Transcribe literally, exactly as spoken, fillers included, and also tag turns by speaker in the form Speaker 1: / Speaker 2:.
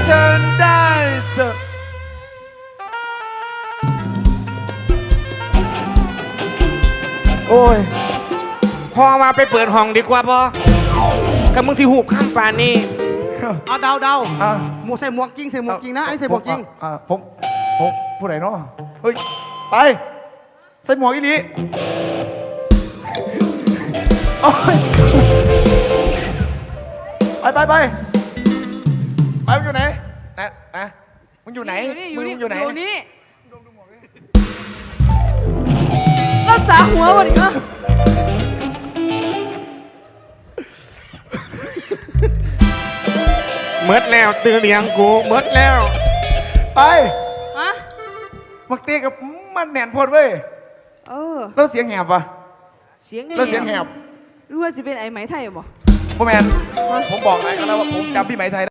Speaker 1: ฉันได้เจอโอ้ยพอมาไปเปิดห้องดีกว่าพอกับมึงที่หูข้ามป่านนี่
Speaker 2: เอาเดาเดา
Speaker 3: อ่า
Speaker 2: หมวกใส่หมวกจริงใส่หมวกจริงนะอันนี้ใส่หมวกจริง
Speaker 3: อ่าผมผมผู้ใดเนาะเฮ้ยไปใส่หมวกอีหลีโอ้ยไปไปไปไปมึงอยู่ไหนนะนะมึงอยู่ไหน
Speaker 4: อยู่นี่อยู่นี่
Speaker 3: มึงอยู่ไหน
Speaker 4: อยู่นี่รักษาหัวก่อนดิเออ
Speaker 1: เมิดแล้วตื่นเลี้ยงกูเมิดแล้ว
Speaker 3: ไป
Speaker 4: ฮะ
Speaker 3: มักเตี้ยกับมันแหนนโพดเว้ย
Speaker 4: เออ
Speaker 3: แล้วเสียงแหบปะ
Speaker 4: เสียง
Speaker 3: แล้วเสียงแหบ
Speaker 4: รู้ว่าจะเป็นไอ้ไหมไทยบ่
Speaker 3: พ่อแมนผมบอกนายเขาแล้วว่าผมจำพี่ไหมไทย